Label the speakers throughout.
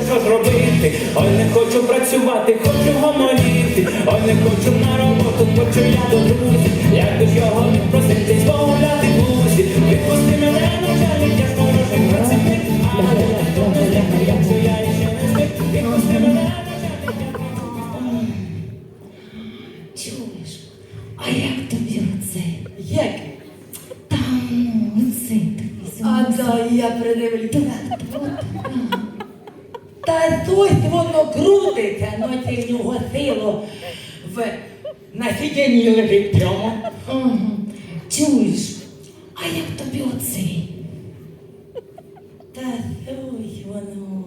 Speaker 1: що ж робити, ой, не хочу працювати, хочу гомоніти, ой, не хочу на роботу, хочу я до друзів, як ж його відпросити, змовляти друзі, відпусти мене, начальник, я ж хороший працівник, а хто не зляка, якщо я ще не звик, відпусти мене, начальник,
Speaker 2: Чуєш, а як тобі оце?
Speaker 3: Як?
Speaker 2: Там, оце такий.
Speaker 3: А да, я придивлюся. Та ось воно крутиться, но це в нього сило на сидінні лежить прямо.
Speaker 2: Ага. Чуєш, а як тобі оцей?
Speaker 3: Та ось воно.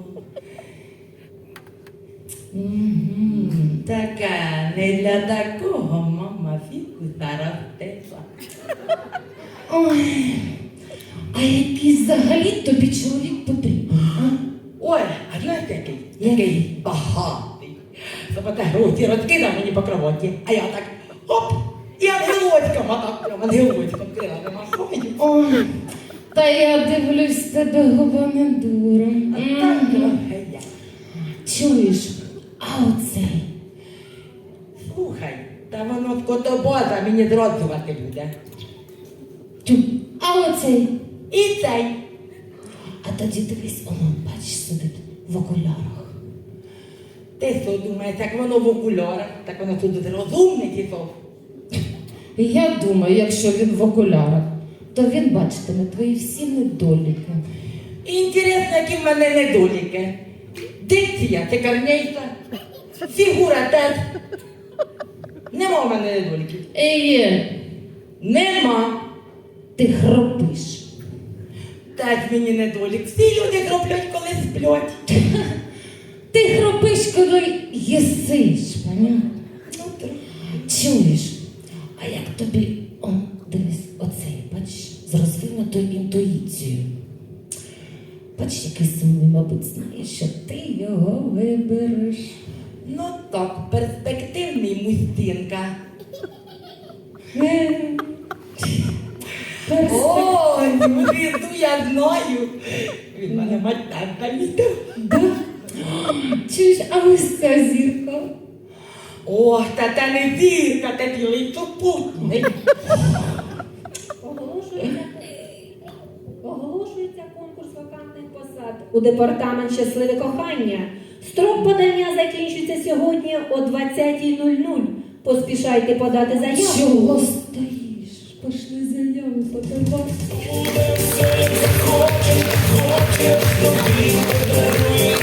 Speaker 3: Така, не для такого мама фіку зараз тепла.
Speaker 2: Ой, а який взагалі тобі чоловік потрібен? А?
Speaker 3: Ой, а знаєте який? Який багатий. Запотягнуті розкидав мені по кроваті, а я так оп, і ангелочком, а так прямо ангелочком крилами махаю.
Speaker 2: Ой, та я дивлюсь, тебе губа не дура.
Speaker 3: Так трохи я.
Speaker 2: Чуєш, а оцей?
Speaker 3: Слухай, та воно в котобоза мені зроджувати буде.
Speaker 2: Тю, а оцей?
Speaker 3: І цей.
Speaker 2: А тоді дивись, воно, бачиш, сидить в окулярах.
Speaker 3: Ти що думаєш, як воно в окулярах, так воно тут розумний тісов.
Speaker 2: Я думаю, якщо він в окулярах, то він бачитиме твої всі недоліки.
Speaker 3: Інтересно, які в мене недоліки. Дикція шикарнейша, фігура теж. Нема в мене недоліків.
Speaker 2: Є,
Speaker 3: Нема.
Speaker 2: ти хропиш.
Speaker 3: Теж мені недолік. Всі люди хроплять, коли сплять.
Speaker 2: Ти хропиш, коли їсиш, понятно?
Speaker 3: Ну, трохи.
Speaker 2: Чуєш, а як тобі, дивись, оцей, бачиш, з розвинутою інтуїцією. Бачиш, який сумний, мабуть, знає, що ти його вибереш.
Speaker 3: Ну так, перспективний мустинка. Ой, звізду я знаю. Він мене матанка містив.
Speaker 2: Да? Чуєш, а ось ця зірка?
Speaker 3: О, та не зірка, та білий супутник.
Speaker 4: Оголошується конкурс вакантних посад у департамент «Щасливе кохання». Строк подання закінчується сьогодні о 20:00. Поспішайте подати заяву.
Speaker 2: Чого стоїш? Пошли заяви подавати.
Speaker 1: Хоче, тобі подарує